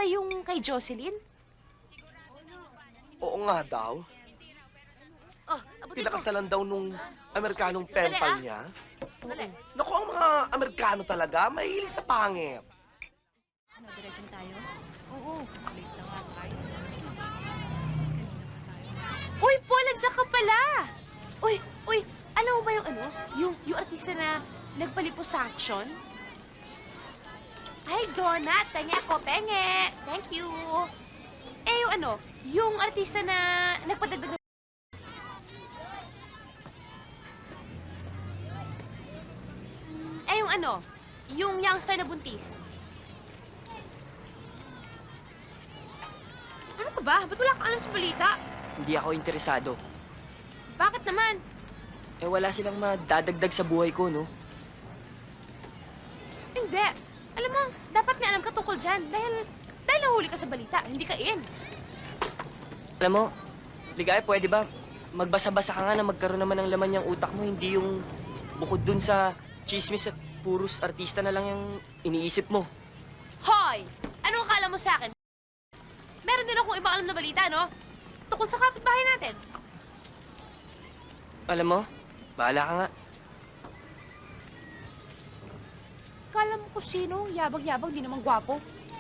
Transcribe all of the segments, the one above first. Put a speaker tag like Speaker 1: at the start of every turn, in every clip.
Speaker 1: ba yung kay Jocelyn?
Speaker 2: Oo nga daw.
Speaker 3: Oh, abutin ko.
Speaker 2: Pinakasalan daw nung Amerikanong pen pal niya.
Speaker 3: Dali.
Speaker 2: Naku, ang mga Amerikano talaga, mahilig sa pangit.
Speaker 1: Ano, diretso na tayo? Oo. Late na nga tayo. Uy, Paul, nandiyan ka pala! Uy, alam mo ba yung ano? Yung artista na nagpaliposuction? Ay, donut! Penge ako, penge! Thank you! Eh, yung ano? Yung artista na nagpadagdag. Eh, yung ano? Yung youngster na buntis. Ano ka ba? Ba't wala kang alam sa balita?
Speaker 4: Hindi ako interesado.
Speaker 1: Bakit naman?
Speaker 4: Eh wala silang madadagdag sa buhay ko, no?
Speaker 1: Hindi. Alam mo, dapat may alam ka tungkol dyan. Dahil nahuli ka sa balita, hindi ka in.
Speaker 4: Alam mo, Ligaya, pwede ba magbasa-basa ka nga na magkaroon naman ng laman yung utak mo, hindi yung bukod dun sa chismis at puros artista na lang yung iniisip mo.
Speaker 1: Hoy! Anong akala mo sa akin? Meron din akong ibang alam na balita, no? Tungkol sa kapitbahay natin.
Speaker 4: Alam mo, bahala ka nga.
Speaker 1: Kala mo kung sino, yabag-yabag, di naman gwapo.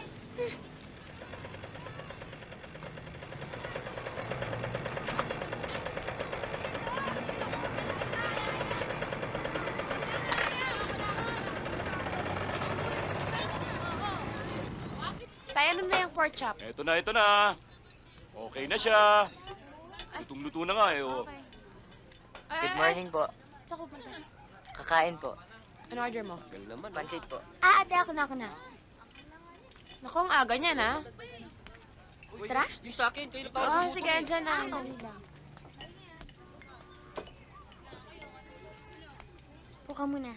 Speaker 1: Tayo, ano na yung pork chop?
Speaker 5: Ito na. Okay na siya. Lutong-luto na nga eh. Oh.
Speaker 1: Okay.
Speaker 4: Good morning po.
Speaker 1: Tsaka punta.
Speaker 4: Kakain po.
Speaker 1: Ano order mo?
Speaker 4: Pansit po.
Speaker 6: Ate, ako na.
Speaker 1: Naku, ang aga niyan, ha?
Speaker 6: Tara.
Speaker 4: Yung sa akin, kayo
Speaker 1: Oh, sige, dyan na. Dali lang.
Speaker 6: Upo ka muna.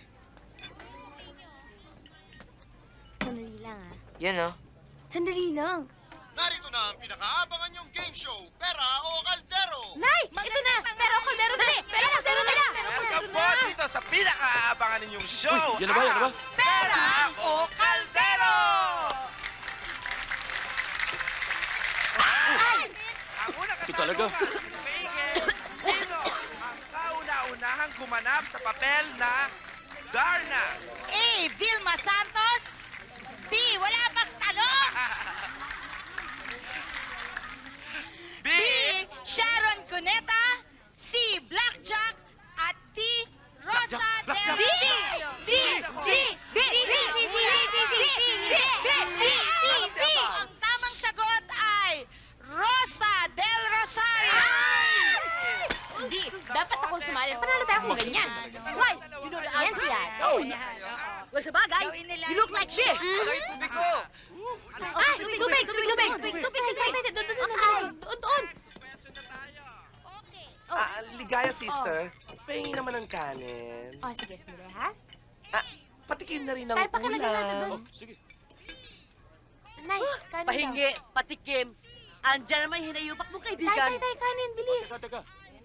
Speaker 6: Sandali lang, ah.
Speaker 4: Yan, oh.
Speaker 6: Sandali lang.
Speaker 7: Narito na ang pinakaabangan niyong game show, Pera o Kaldero!
Speaker 1: Nay! Ito na! Pero kaldero na! Pero kaldero na!
Speaker 8: Welcome po dito sa pinakaabangan ninyong show!
Speaker 5: Uy, yan na ba?
Speaker 8: Pera o Kaldero! Ang unang
Speaker 5: Ito talaga.
Speaker 8: Sino ang kauna-unahang gumanap sa papel na Darna?
Speaker 3: A. Vilma Santos. B. Wala pang tanong.
Speaker 8: B.
Speaker 3: Sharon Cuneta. C. Blackjack. At D. Rosa
Speaker 8: Blackjack,
Speaker 3: Del
Speaker 8: Blackjack.
Speaker 3: C. B. Ang tamang sagot ay Rosa Del Rosario.
Speaker 1: Hindi, dapat akong sumali. Panalo tayo kung ganyan.
Speaker 3: Why? You know the answer. Well, sa bagay, you look like this.
Speaker 8: Agay tubig ko!
Speaker 1: Ay, tubig! Doon!
Speaker 2: Ligaya, sister. Pahingin naman ng kanin.
Speaker 1: Oh, sige, sandali, ha?
Speaker 2: Patikim na rin ng
Speaker 1: Tay, pakilagay natin doon.
Speaker 2: ulam.
Speaker 5: Sige.
Speaker 1: Nay, kanin
Speaker 3: Pahingi, patikim. Andiyan naman yung hinayupak mong
Speaker 1: daw.
Speaker 3: kaibigan.
Speaker 1: Tay, kanin, bilis.
Speaker 5: Teka.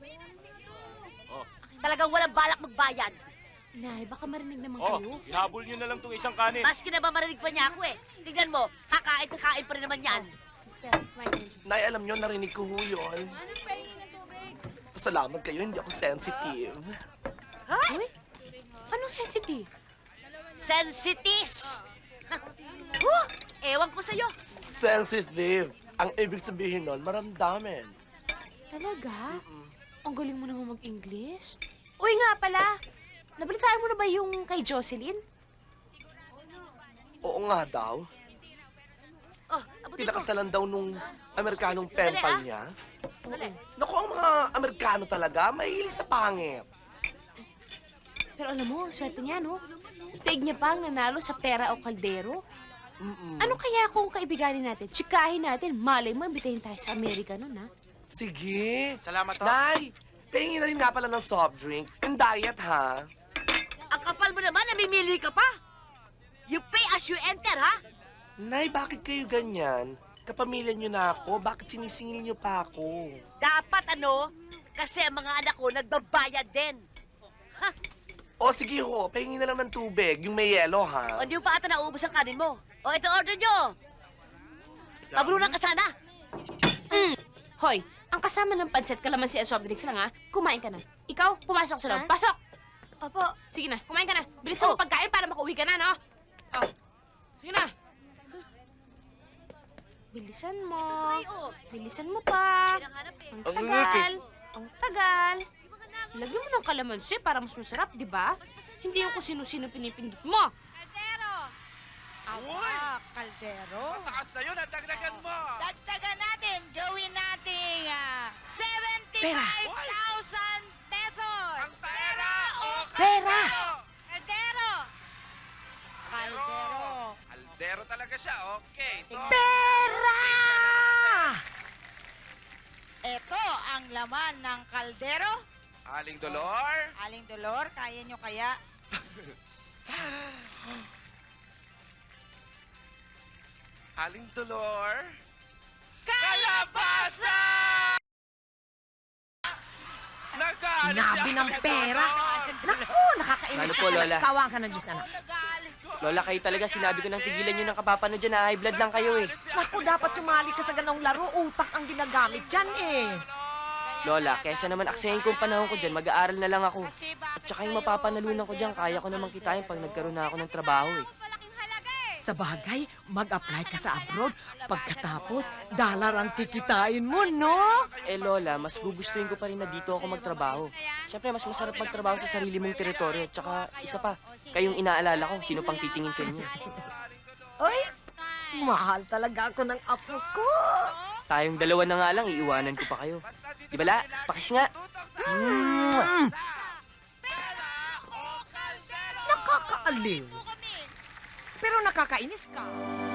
Speaker 3: Talagang walang balak magbayad.
Speaker 1: Nay, baka marinig naman
Speaker 5: Oh,
Speaker 1: kayo.
Speaker 5: ihabol niyo na lang tong isang kanin.
Speaker 3: Maski na ba marinig pa niya ako eh. Tignan mo, kakain pa rin naman yan.
Speaker 1: Sister, kumain ka.
Speaker 2: Nay, alam nyo, narinig ko ho yun. Pasalamat kayo, hindi ako sensitive.
Speaker 1: Uy, anong sensitive?
Speaker 3: Sensitis! Ewan ko sa'yo.
Speaker 2: Sensitive. Ang ibig sabihin nun, maramdamin.
Speaker 1: Talaga? Ang galing mo naman mag-English. Uy nga pala, nabalitaan mo na ba yung kay Jocelyn?
Speaker 2: Oo nga daw.
Speaker 3: Oh, abutin ko.
Speaker 2: Pinakasalan daw nung Amerikanong pen
Speaker 3: Dali,
Speaker 2: pal
Speaker 3: ah.
Speaker 2: niya.
Speaker 3: Dali.
Speaker 2: Naku, ang mga Amerikano talaga, mahilig sa pangit.
Speaker 1: Pero alam mo, ang swerte niya, no? Tig niya pa ang nanalo sa pera o kaldero. Ano kaya kung kaibiganin natin, tsikahin natin, malay mo, imbitahin tayo sa Amerika nun, ha?
Speaker 2: Sige.
Speaker 8: Salamat to.
Speaker 2: Nay, pahingin na rin nga pala ng soft drink. Yung diet, ha?
Speaker 3: Ang kapal mo naman, namimili ka pa. You pay as you enter, ha?
Speaker 2: Nay, bakit kayo ganyan? Kapamilya niyo na ako, bakit sinisingil niyo pa ako?
Speaker 3: Dapat ano, kasi ang mga anak ko nagbabayad din.
Speaker 2: O sige ho, pahingin na lang ng tubig, yung may yelo, ha?
Speaker 3: O hindi mo pa ata naubos ang kanin mo. O ito order nyo. Mabrunan ka sana.
Speaker 1: Hoy, ang kasama ng pansit, kalamansi at soft drinks lang, ha? Kumain ka na. Ikaw, pumasok sa loob.
Speaker 6: Ha?
Speaker 1: Pasok!
Speaker 6: Opo.
Speaker 1: Sige na, kumain ka na. Bilisan mo pagkain para makauwi ka na, no? Oh. Sige na. Bilisan mo. Bilisan mo pa. Ang
Speaker 8: Ang
Speaker 1: tagal. Ang tagal. Lagyan mo ng kalamansi para mas masarap, di ba? Hindi yung kung sino-sino pinipindot mo.
Speaker 3: Kaldero.
Speaker 8: Mataas na yun, ang dagdagan mo!
Speaker 3: Dagdagan natin, gawin nating 75,000 pesos!
Speaker 8: Ang pera o
Speaker 3: Pera!
Speaker 8: kaldero?
Speaker 3: Kaldero! Kaldero!
Speaker 8: Kaldero talaga siya, okay. So,
Speaker 3: Pera! Ito ang laman ng kaldero.
Speaker 8: Aling Dolor,
Speaker 3: Aling Dolor, kaya nyo kaya?
Speaker 8: Aling Dolor, kalabasa! Nagalit
Speaker 9: Sinabi ng pera. Naku, nakakainis
Speaker 4: Ano po, Lola?
Speaker 9: Kawa ka ng Diyos, anak.
Speaker 4: Lola, kayo talaga sinabi ko nang tigilan nyo ng kapapano dyan na high blood lang kayo eh.
Speaker 9: Naku, dapat sumali ka sa ganong laro. Utak ang ginagamit dyan eh.
Speaker 4: Lola, kesa naman aksayin ko ang panahon ko dyan, mag-aaral na lang ako. At saka yung mapapanalunan ko dyan, kaya ko naman kitain pag nagkaroon na ako ng trabaho eh.
Speaker 9: Sa bagay, mag-apply ka sa abroad. Pagkatapos, dollar ang kikitain mo, no?
Speaker 4: Eh Lola, mas gugustuhin ko pa rin na dito ako magtrabaho. Siyempre, mas masarap magtrabaho sa sarili mong teritoryo. At saka, isa pa, kayong inaalala ko, sino pang titingin sa inyo.
Speaker 9: Ay, mahal talaga ako ng apo ko.
Speaker 4: Tayong dalawa na nga lang, iiwanan ko pa kayo. Di ba, La? Pakis nga. Mwah!
Speaker 9: Nakakaaliw. Pero nakakainis ka.